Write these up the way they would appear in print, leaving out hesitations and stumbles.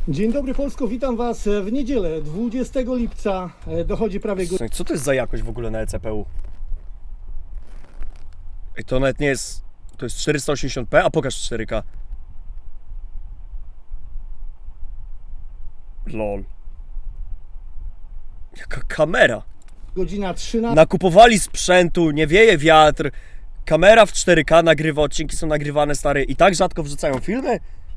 Dzień dobry Polsko, witam Was w niedzielę 20 lipca. Dochodzi prawie godzina. Co to jest za jakość w ogóle na ECPU? Ej, to nawet nie jest... To jest 480p, a pokaż 4K. Lol. Jaka kamera. Godzina 13. Nakupowali sprzętu, nie wieje wiatr. Kamera w 4K nagrywa, odcinki są nagrywane, stary. I tak rzadko wrzucają filmy?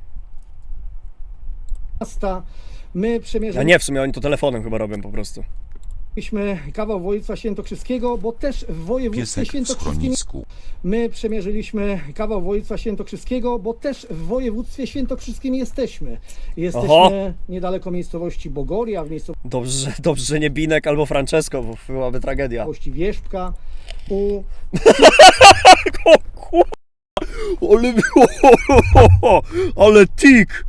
My A przemierzyliśmy nie, w sumie oni to telefonem chyba robią po prostu. kawał województwa świętokrzyskiego, bo też w województwie Piesek w świętokrzyskim. schronisku. My przemierzyliśmy kawał województwa świętokrzyskiego, bo też w województwie świętokrzyskim jesteśmy. Jesteśmy Oho. niedaleko miejscowości Bogoria, w Dobrze, że nie Binek albo Francesco, bo byłaby tragedia. miejscowości Wierzbka. U O kurwa, ale tik!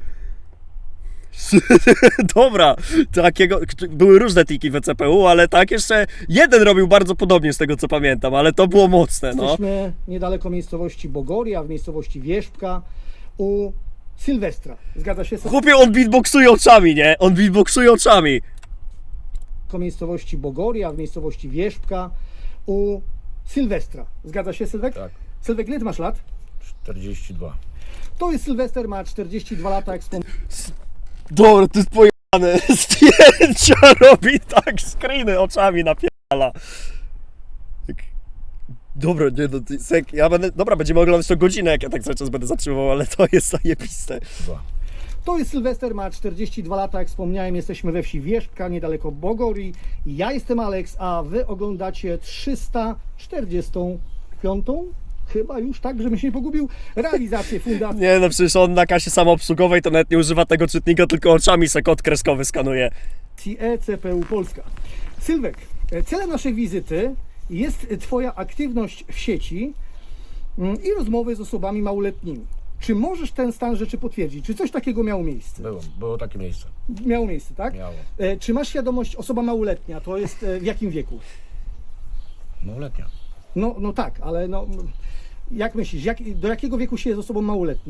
Dobra, takiego, były różne tiki w ECPU, ale tak jeszcze jeden robił bardzo podobnie z tego co pamiętam, ale to było mocne, no. Jesteśmy niedaleko miejscowości Bogoria, w miejscowości Wierzbka. U Sylwestra. Zgadza się? Chłopie, on beatboxuje oczami, nie? On beatboxuje oczami. Miejscowości Bogoria, w miejscowości Wierzbka. U Sylwestra. Zgadza się, Sylwek? Tak. Sylwek, ile ty masz lat? 42. To jest Sylwester, ma 42 lata, jak Dobra, to jest pojebane. Zdjęcia robi tak, screeny oczami napierdala. Tak. Dobra, nie no, ja będę, dobra, będziemy oglądać to godzinę, jak ja tak cały czas będę zatrzymywał, ale to jest zajebiste. 2. To jest Sylwester, ma 42 lata, jak wspomniałem, jesteśmy we wsi Wierzbka, niedaleko Bogorii. Ja jestem Alex, a wy oglądacie 345. Chyba już tak, żebym się nie pogubił. Realizację fundacji Nie no, przecież on na kasie samoobsługowej to nawet nie używa tego czytnika, tylko oczami se kod kreskowy skanuje. ECPU Polska. Sylwek, celem naszej wizyty jest Twoja aktywność w sieci i rozmowy z osobami małoletnimi. Czy możesz ten stan rzeczy potwierdzić? Czy coś takiego miało miejsce? Było takie miejsce. Miało miejsce, tak? Miało. Czy masz świadomość, osoba małoletnia, to jest w jakim wieku? Małoletnia. No tak, ale no, jak myślisz, do jakiego wieku się jest osobą małoletnią?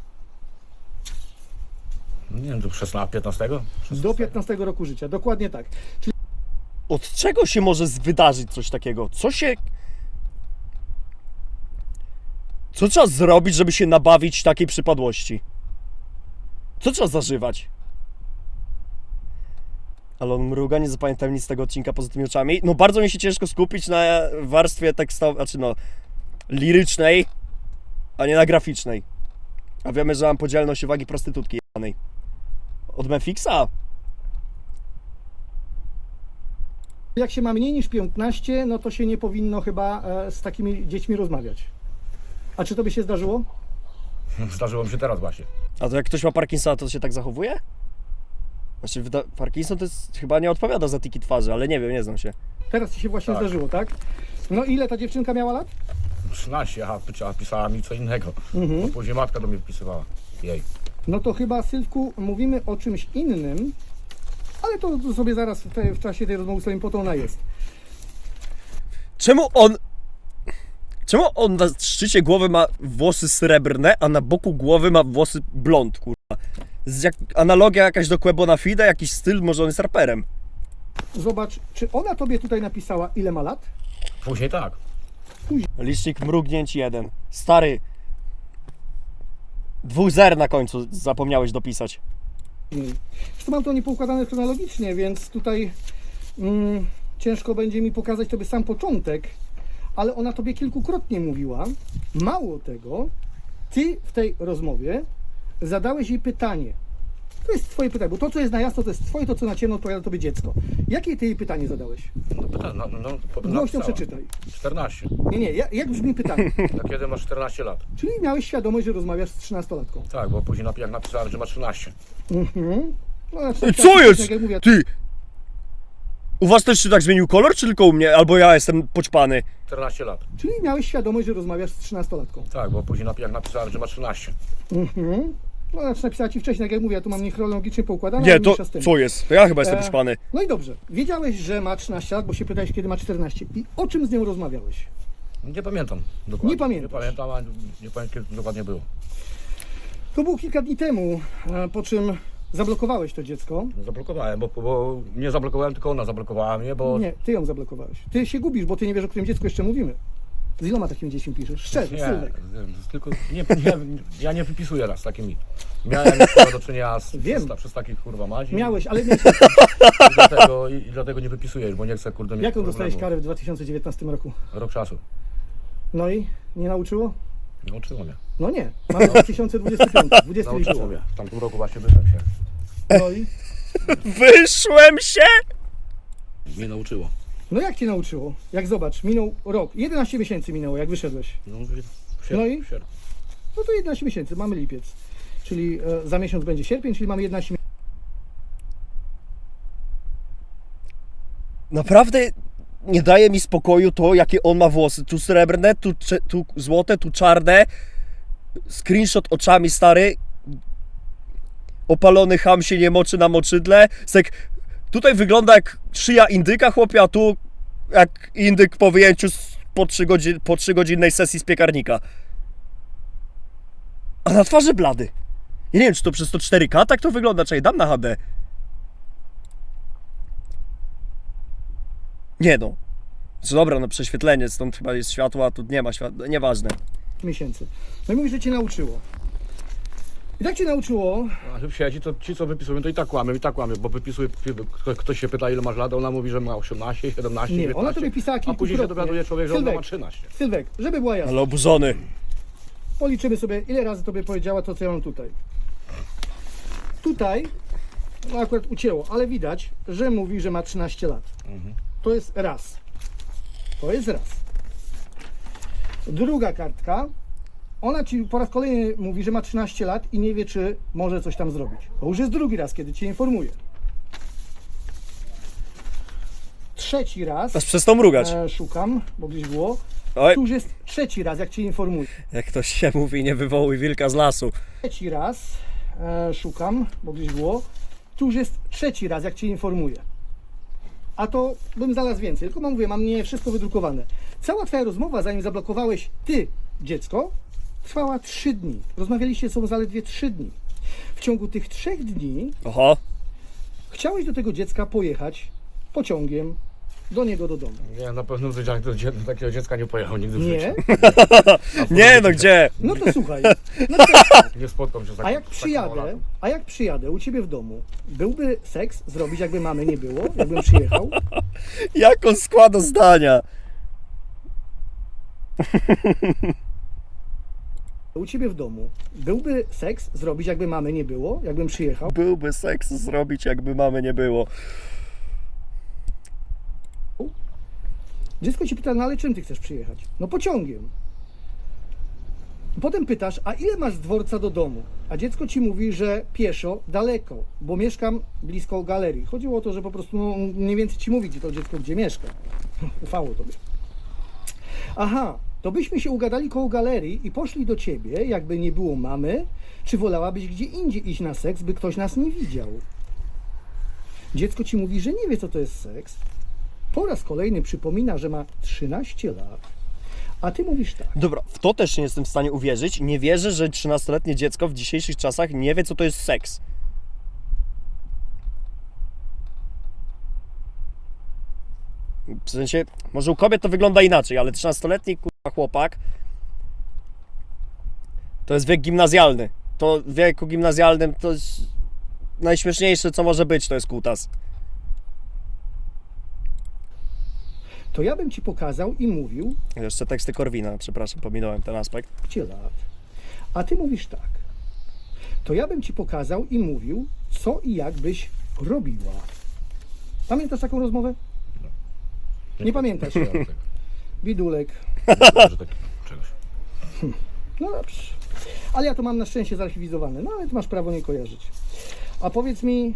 Nie wiem, do 16, 15? Do 15 roku życia, dokładnie tak. Czyli Od czego się może wydarzyć coś takiego? Co trzeba zrobić, żeby się nabawić takiej przypadłości? Co trzeba zażywać? Ale on mruga, nie zapamiętam nic z tego odcinka poza tymi oczami. No bardzo mi się ciężko skupić na warstwie tekstowej, znaczy no, lirycznej, a nie na graficznej. A wiemy, że mam podzielność uwagi prostytutki jebanej. Od Memfixa? jak się ma mniej niż 15, no to się nie powinno chyba z takimi dziećmi rozmawiać. A czy tobie się zdarzyło? Zdarzyło mi się teraz właśnie. A to jak ktoś ma Parkinsona, to się tak zachowuje? Znaczy, Parkinson to jest, chyba nie odpowiada za tiki twarzy, ale nie wiem, nie znam się. Teraz ci się właśnie Tak. zdarzyło, tak? No ile ta dziewczynka miała lat? 13, a pisała mi co innego. Bo później matka do mnie wpisywała. Jej. No to chyba, Sylwku, mówimy o czymś innym, ale to sobie zaraz w czasie tej rozmowy sobie po to ona jest. Czemu on na szczycie głowy ma włosy srebrne, a na boku głowy ma włosy blond, kurwa? Analogia jakaś do Quebo na Fide, jakiś styl, może on jest raperem. Zobacz, czy ona tobie tutaj napisała, ile ma lat? Później tak. Licznik mrugnięć 1. Stary. 2 zer na końcu zapomniałeś dopisać. Zresztą mam to niepoukładane chronologicznie, więc tutaj ciężko będzie mi pokazać tobie sam początek, ale ona tobie kilkukrotnie mówiła. Mało tego, ty w tej rozmowie zadałeś jej pytanie. To jest twoje pytanie, bo to, co jest na jasno, to jest twoje, to, co na ciemno, odpowiada tobie dziecko. Jakie ty jej pytanie zadałeś? No, potem Głośno napisała. przeczytaj. 14. Nie, jak brzmi pytanie? A kiedy masz 14 lat? Czyli miałeś świadomość, że rozmawiasz z 13-latką. Tak, bo później jak napisałem, że ma 13. No, znaczy, Co jest? tak jak mówię, Ty! U was też się tak zmienił kolor, czy tylko u mnie? Albo ja jestem poćpany? 14 lat. czyli miałeś świadomość, że rozmawiasz z 13-latką. Tak, bo później jak napisałem, że ma 13. No, znaczy napisała ci wcześniej, tak jak mówię, ja tu mam niechronologicznie poukładane. Nie, ale to mniejsza z tym. co jest? To ja chyba jestem poćpany. No i dobrze, wiedziałeś, że ma 13 lat, bo się pytałeś, kiedy ma 14. I o czym z nią rozmawiałeś? Nie pamiętam dokładnie. Nie pamiętasz? Nie pamiętam, a nie pamiętam kiedy to dokładnie było. To było kilka dni temu, po czym zablokowałeś to dziecko. No, zablokowałem, bo nie zablokowałem, tylko ona zablokowała mnie, bo... Nie, ty ją zablokowałeś. Ty się gubisz, bo ty nie wiesz, o którym dziecku jeszcze mówimy. Z iloma takimi dziećmi piszesz? Szczerze, Nie, Sylwek. tylko ja nie wypisuję raz z takimi. Miałem do czynienia Wiem. przez takich kurwa madzi. Miałeś, ale miałeś... I dlatego nie wypisuję, bo nie chcę kurde mieć Jaką dostałeś problemu. karę w 2019 roku? Rok czasu. No i nie nauczyło? Nauczyło mnie. No nie. Mamy 2025, 20 Nauczyło lipca. mnie. W tamtym roku właśnie wyszedłem się. No i? Wyszłem się! Mnie nauczyło. No jak cię nauczyło? Jak zobacz, minął rok. 11 miesięcy minęło, jak wyszedłeś. No, No i? w sierpniu. No to 11 miesięcy, mamy lipiec. Czyli za miesiąc będzie sierpień, czyli mamy 11 miesięcy. Naprawdę nie daje mi spokoju to, jakie on ma włosy. Tu srebrne, tu złote, tu czarne. Screenshot oczami, stary. Opalony ham się nie moczy na moczydle. Sek, tutaj wygląda jak szyja indyka, chłopie, a tu jak indyk po wyjęciu po 3-godzinnej sesji z piekarnika. A na twarzy blady. Ja nie wiem, czy to przez to 4K tak to wygląda, czekaj, dam na HD. Nie no. Co dobra, no prześwietlenie, stąd chyba jest światło, a tu nie ma światła, nieważne. Miesięcy. No i mówisz, że cię nauczyło. I tak cię nauczyło, A w sieci to ci co wypisują to i tak kłamią, bo wypisuje, ktoś się pyta ile masz lat, ona mówi, że ma 18, 17, Nie, 19, ona tobie pisała a później się kilkukrotnie. dowiaduje człowiek, że ona ma Sylwek. 13. Sylwek, żeby była jasna, Ale oburzony. policzymy sobie, ile razy tobie powiedziała to, co ja mam tutaj. Tutaj, no akurat ucięło, ale widać, że mówi, że ma 13 lat. To jest raz. To jest raz. Druga kartka, ona ci po raz kolejny mówi, że ma 13 lat i nie wie, czy może coś tam zrobić. To już jest drugi raz, kiedy cię informuje. Trzeci raz, Aż przez to mrugać. szukam, bo gdzieś było. Oj, Tu już jest trzeci raz, jak cię informuje. jak ktoś się mówi, nie wywołuj wilka z lasu. Trzeci raz, szukam, bo gdzieś było. Tu już jest trzeci raz, jak cię informuję. A to bym znalazł więcej, tylko mówię, mam nie wszystko wydrukowane. Cała twoja rozmowa, zanim zablokowałeś ty dziecko, trwała 3 dni. Rozmawialiście ze sobą zaledwie 3 dni. W ciągu tych 3 dni Oho. chciałeś do tego dziecka pojechać pociągiem do niego do domu. Nie, na pewno do takiego dziecka nie pojechał nigdy w Nie? życiu. Nie no, gdzie? No to słuchaj. Nie spotkał się z takim A jak przyjadę u ciebie w domu, byłby seks zrobić, jakby mamy nie było, jakbym przyjechał? Jak on składa zdania? U ciebie w domu, byłby seks zrobić, jakby mamy nie było, jakbym przyjechał? Byłby seks zrobić, jakby mamy nie było. Dziecko ci pyta, no ale czym ty chcesz przyjechać? No pociągiem. Potem pytasz, a ile masz z dworca do domu? A dziecko ci mówi, że pieszo, daleko, bo mieszkam blisko galerii. Chodziło o to, że po prostu no, mniej więcej ci mówi, gdzie to dziecko gdzie mieszka. Ufało tobie. Aha, to byśmy się ugadali koło galerii i poszli do ciebie, jakby nie było mamy, czy wolałabyś gdzie indziej iść na seks, by ktoś nas nie widział? Dziecko ci mówi, że nie wie, co to jest seks. Po raz kolejny przypomina, że ma 13 lat, a ty mówisz tak. Dobra, w to też nie jestem w stanie uwierzyć. Nie wierzę, że 13-letnie dziecko w dzisiejszych czasach nie wie, co to jest seks. W sensie, może u kobiet to wygląda inaczej, ale 13-letni kurwa chłopak to jest wiek gimnazjalny. To w wieku gimnazjalnym to jest najśmieszniejsze, co może być, to jest kutas. To ja bym ci pokazał i mówił Jeszcze teksty Korwina, przepraszam, pominąłem ten aspekt. 15 lat, a ty mówisz tak. To ja bym ci pokazał i mówił, co i jak byś robiła. Pamiętasz taką rozmowę? Nie pamiętasz. Bidulek. Czegoś. No dobrze. Ale ja to mam na szczęście zarchiwizowane. No ale ty masz prawo nie kojarzyć. A powiedz mi,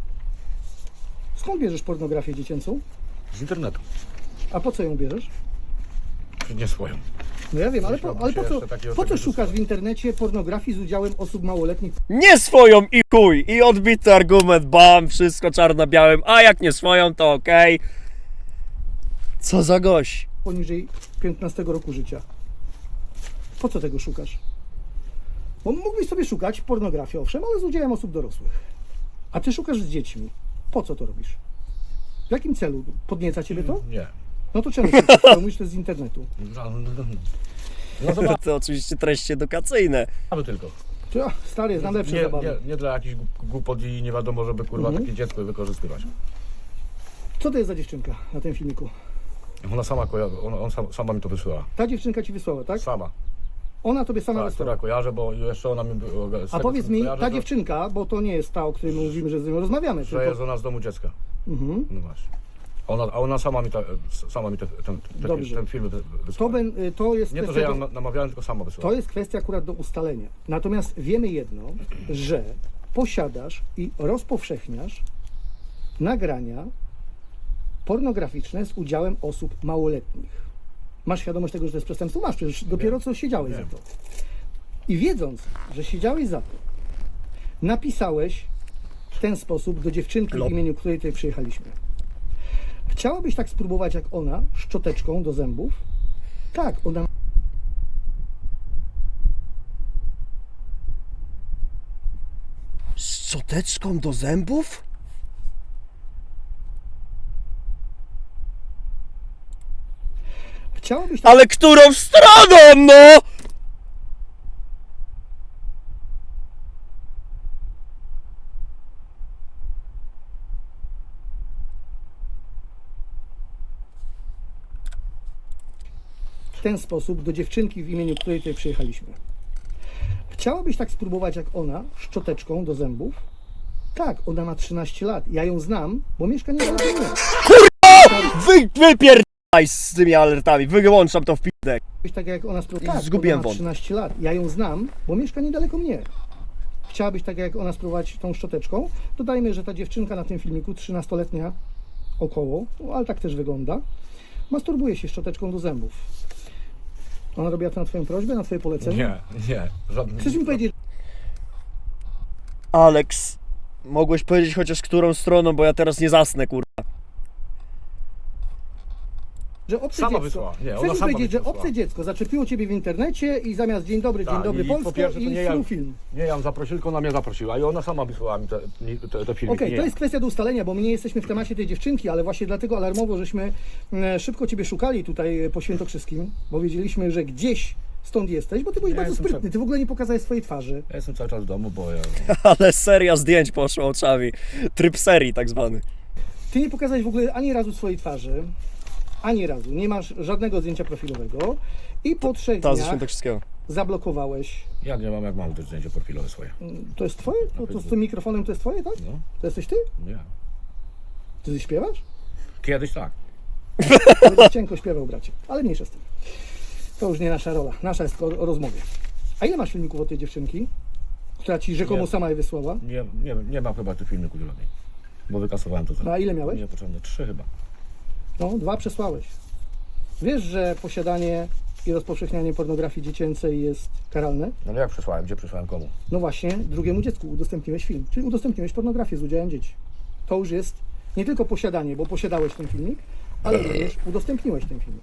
skąd bierzesz pornografię dziecięcą? Z internetu. A po co ją bierzesz? Nie swoją. No ja wiem, ale Myślałbym się jeszcze takiego po co czegoś szukasz w dosyć. internecie pornografii z udziałem osób małoletnich Nie swoją i chuj! I odbity argument, bam, wszystko czarno-białym, a jak nie swoją, to okej. Co za gość? poniżej 15 roku życia? Po co tego szukasz? Bo mógłbyś sobie szukać pornografii, owszem, ale z udziałem osób dorosłych. A ty szukasz z dziećmi. Po co to robisz? W jakim celu? Podnieca ciebie to? Nie. No to czemu szukasz? Mówisz, to jest z internetu. No zobaczmy To oczywiście treści edukacyjne. tylko. Stary, znam lepsze Nie, zabawy. nie dla jakichś głupot i nie wiadomo, żeby kurwa takie dziecko wykorzystywać. Co to jest za dziewczynka na tym filmiku? Ona sama sama mi to wysłała. Ta dziewczynka ci wysłała, tak? Sama. Ona tobie sama Tak, wysłała. która kojarzę, bo jeszcze ona mi... z A tego, powiedz co mi, kojarzę, ta to- dziewczynka, bo to nie jest ta, o której my mówimy, że z nią rozmawiamy, Że tylko... jest ona z domu dziecka. Mhm. No właśnie. A ona sama mi Dobrze. ten film wysłała. To jest Nie to, że kwestia ja namawiałem, tylko sama wysłała. To jest kwestia akurat do ustalenia. Natomiast wiemy jedno, że posiadasz i rozpowszechniasz nagrania pornograficzne z udziałem osób małoletnich. Masz świadomość tego, że to jest przestępstwo? Masz, przecież dopiero co siedziałeś za to. I wiedząc, że siedziałeś za to, napisałeś w ten sposób do dziewczynki, w imieniu której tutaj przyjechaliśmy. Chciałabyś tak spróbować jak ona, szczoteczką do zębów? Tak, ona Z szczoteczką do zębów? chciałabyś tak Ale którą stroną, no? w ten sposób do dziewczynki, w imieniu której tutaj przyjechaliśmy. Chciałabyś tak spróbować jak ona, szczoteczką do zębów? Tak, ona ma 13 lat. Ja ją znam, bo mieszka niedaleko mnie. Wypierdaj z tymi alertami, wyłączam to w pidek. Chciałabyś tak jak ona spróbować? Tak, Zgubiłem ona ma wąt. 13 lat. Ja ją znam, bo mieszka niedaleko mnie. Chciałabyś tak jak ona spróbować tą szczoteczką? Dodajmy, że ta dziewczynka na tym filmiku, 13-letnia około, no, ale tak też wygląda, masturbuje się szczoteczką do zębów. Ona robiła to na twoją prośbę, na twoje polecenie? Nie. Żadnym. Chcesz mi powiedzieć, Alex, mogłeś powiedzieć chociaż którą stroną, bo ja teraz nie zasnę, kurwa. że obce Sama dziecko, wysłała. Nie, ona chcesz mi sama powiedzieć, że wysłała. obce dziecko zaczepiło ciebie w internecie i zamiast dzień dobry Tak, i Polsko po pierwsze, to i nie ja, film. nie ja ją zaprosił, tylko ona mnie zaprosiła i ona sama wysłała mi te filmiki. Okej, nie to ja. jest kwestia do ustalenia, bo my nie jesteśmy w temacie tej dziewczynki, ale właśnie dlatego alarmowo, żeśmy szybko ciebie szukali tutaj po Świętokrzyskim, bo wiedzieliśmy, że gdzieś stąd jesteś, bo ty byłeś Ja bardzo jestem sprytny, ty w ogóle nie pokazałeś swojej twarzy. Ja jestem cały czas w domu, bo ja... Ale seria zdjęć poszła oczami. Tryb serii tak zwany. Ty nie pokazałeś w ogóle ani razu swojej twarzy, ani razu, nie masz żadnego zdjęcia profilowego i po 3 Ta ze dniach Świętokrzyskiego. zablokowałeś. Ja nie mam, jak mam te zdjęcie profilowe swoje. To jest twoje? To z tym mikrofonem to jest twoje, tak? No, To jesteś ty? nie. Ty śpiewasz? Kiedyś tak. Będę cienko śpiewał, bracie, ale mniejsza z tym. To już nie nasza rola, nasza jest tylko o rozmowie. A ile masz filmików od tej dziewczynki, która ci rzekomo Nie. sama je wysłała? Nie mam chyba tych filmików żadnej. Bo wykasowałem to. No a ile miałeś? Niepotrzebne. 3 chyba. No, 2 przesłałeś. Wiesz, że posiadanie i rozpowszechnianie pornografii dziecięcej jest karalne? No ale jak przesłałem? Gdzie przesłałem komu? No właśnie, drugiemu dziecku udostępniłeś film, czyli udostępniłeś pornografię z udziałem dzieci. To już jest nie tylko posiadanie, bo posiadałeś ten filmik, ale również udostępniłeś ten filmik.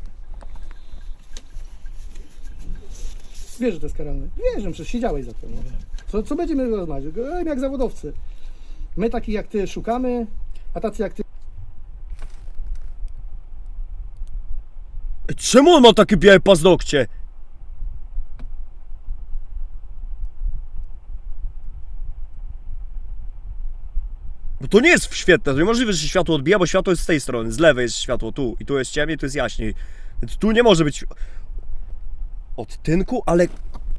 Wiesz, że to jest karalne? Wiesz, że przecież siedziałeś za to. No. Co będziemy rozmawiać? Jak zawodowcy. My takich jak ty szukamy, a tacy jak ty Czemu on ma takie białe paznokcie? Bo to nie jest świetne, to niemożliwe, że się światło odbija, bo światło jest z tej strony, z lewej jest światło, tu. I tu jest ciemniej, tu jest jaśniej. Więc tu nie może być odtynku, ale...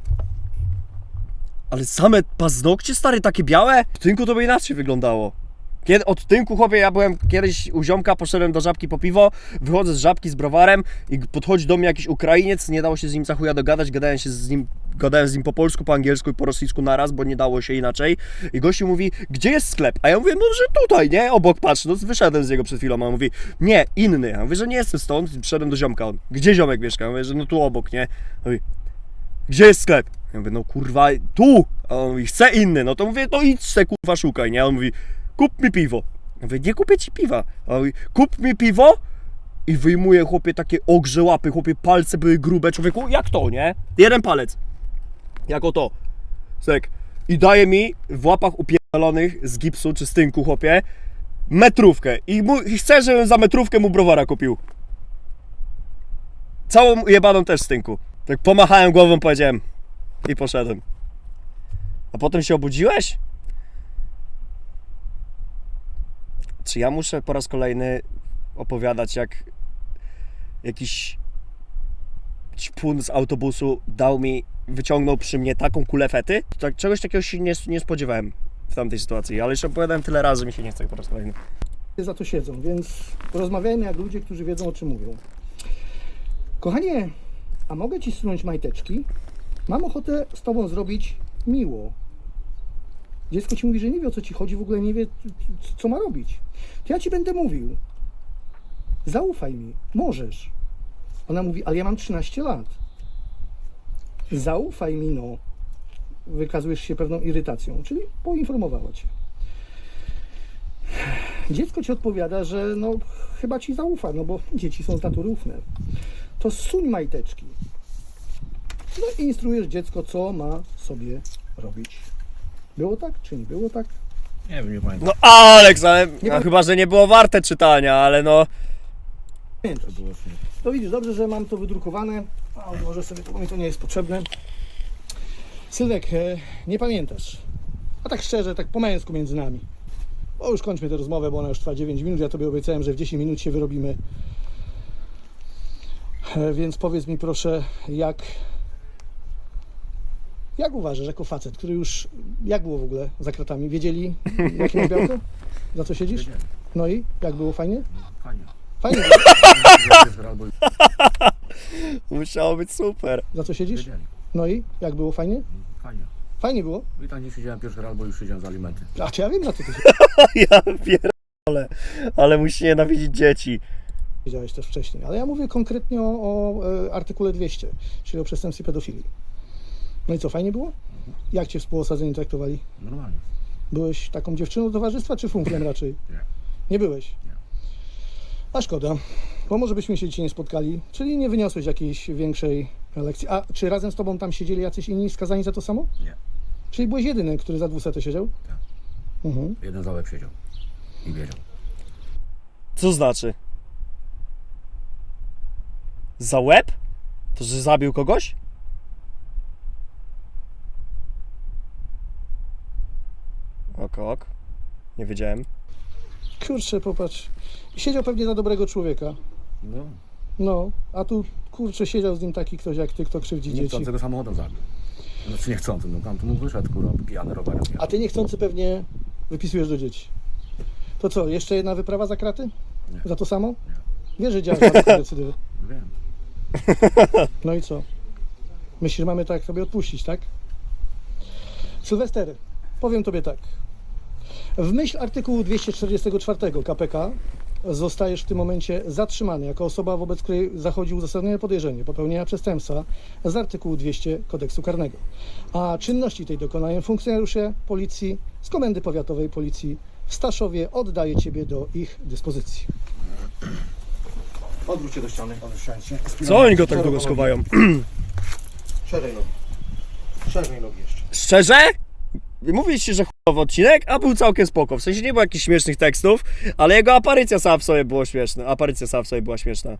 Ale same paznokcie, stary, takie białe? W tynku to by inaczej wyglądało. Kiedy, od tynku, chłopie, ja byłem kiedyś u ziomka, poszedłem do Żabki po piwo, wychodzę z Żabki z browarem i podchodzi do mnie jakiś Ukrainiec, nie dało się z nim za chuja dogadać, gadałem z nim po polsku, po angielsku i po rosyjsku naraz, bo nie dało się inaczej. I gościu mówi, gdzie jest sklep? A ja mówię, no że tutaj, nie? Obok, patrz, no wyszedłem z niego przed chwilą, a on mówi, nie, inny. Ja mówię, że nie jestem stąd, przyszedłem do ziomka, on, gdzie ziomek mieszka? Ja mówię, że no tu obok, nie? On mówi, gdzie jest sklep? Ja mówię, no kurwa, tu! A on mówi, chcę inny, no to mówię, no idź se kurwa szukaj, nie? A on mówi, kup mi piwo. Ja mówię, nie kupię ci piwa. A on mówi, kup mi piwo i wyjmuje, chłopie, takie ogrze łapy, chłopie, palce były grube, człowieku, jak to, nie? Jeden palec. Jako to. Sek. I daje mi w łapach pierdolonych z gipsu czy z tynku, chłopie, metrówkę. I chcę, żebym za metrówkę mu browara kupił. Całą jebaną też z tynku. Tak pomachałem głową, powiedziałem i poszedłem. A potem się obudziłeś? Czy ja muszę po raz kolejny opowiadać, jak jakiś ćpun z autobusu wyciągnął przy mnie taką kulę fety? Tak, czegoś takiego się nie spodziewałem w tamtej sytuacji, ale już opowiadałem tyle razy, mi się nie chce po raz kolejny. Za to siedzą, więc rozmawiajmy jak ludzie, którzy wiedzą, o czym mówią. Kochanie, a mogę ci zsunąć majteczki? Mam ochotę z tobą zrobić miło. Dziecko ci mówi, że nie wie, o co ci chodzi, w ogóle nie wie, co ma robić. To ja ci będę mówił. Zaufaj mi, możesz. Ona mówi, ale ja mam 13 lat. Zaufaj mi, no. Wykazujesz się pewną irytacją, czyli poinformowała cię. Dziecko ci odpowiada, że no chyba ci zaufa, no bo dzieci są z natury ufne. To zsuń majteczki. No i instruujesz dziecko, co ma sobie robić. Było tak, czy nie było tak? Nie wiem, nie pamiętam. No Aleks, ale Nie no, ma- chyba, że nie było warte czytania, ale no... Pamiętasz. To było w sumie. To widzisz, dobrze, że mam to wydrukowane. A może sobie to, bo mi to nie jest potrzebne. Sylwek, nie pamiętasz. A tak szczerze, tak po męsku między nami. O, już kończmy tę rozmowę, bo ona już trwa 9 minut. Ja tobie obiecałem, że w 10 minut się wyrobimy. Więc powiedz mi proszę, jak uważasz, jako facet, który już... Jak było w ogóle za kratami? Wiedzieli, jakie masz białko? Za co siedzisz? Wiedzieli. No i? Jak było? Fajnie? Fajnie. Fajnie było. Albo Musiało być super. Za co siedzisz? wiedzieli. No i? Jak było? Fajnie? Fajnie. Fajnie było? I tam nie siedziałem pierwszy raz, bo już siedziałem za alimenty. A czy ja wiem, na co ty Ja pierdolę, ale musi nienawidzić dzieci. siedziałeś też wcześniej. Ale ja mówię konkretnie o artykule 200, czyli o przestępstwie pedofilii. No i co, fajnie było? Jak cię współosadzeni traktowali? Normalnie. Byłeś taką dziewczyną towarzystwa, czy funkiem raczej? Nie. Nie byłeś? Nie. A szkoda, bo może byśmy się dzisiaj nie spotkali, czyli nie wyniosłeś jakiejś większej lekcji. A czy razem z tobą tam siedzieli jacyś inni skazani za to samo? Nie. Czyli byłeś jedyny, który za 200 siedział? Tak. Mhm. Jeden za łeb siedział. I wiedział. Co znaczy? Za łeb? To, że zabił kogoś? Ok. Nie wiedziałem. Kurczę, popatrz. Siedział pewnie za dobrego człowieka. No. No, a tu, kurczę, siedział z nim taki ktoś jak ty, kto krzywdzi dzieci. Niechcącego samochodem zabił. Znaczy niechcący, no tam tu mu wyszedł, kurwa, pijany rowerem. A ty niechcący pewnie wypisujesz do dzieci. To co, jeszcze jedna wyprawa za kraty? Nie. Za to samo? Nie. Wiesz, że działasz na decydywy. Wiem. No i co? Myślisz, że mamy tak sobie odpuścić, tak? Sylwester, powiem tobie tak. W myśl artykułu 244 KPK zostajesz w tym momencie zatrzymany jako osoba, wobec której zachodzi uzasadnione podejrzenie popełnienia przestępstwa z artykułu 200 Kodeksu Karnego. A czynności tej dokonają funkcjonariusze policji z Komendy Powiatowej Policji w Staszowie. Oddaję ciebie do ich dyspozycji. Odwróć się do ściany. Co oni go tak długo schowają? Szerzej nogi. Szerzej nogi jeszcze. Szczerze? Mówiliście, że chujowy odcinek, a był całkiem spoko. W sensie nie było jakichś śmiesznych tekstów, ale jego aparycja sama w sobie była śmieszna.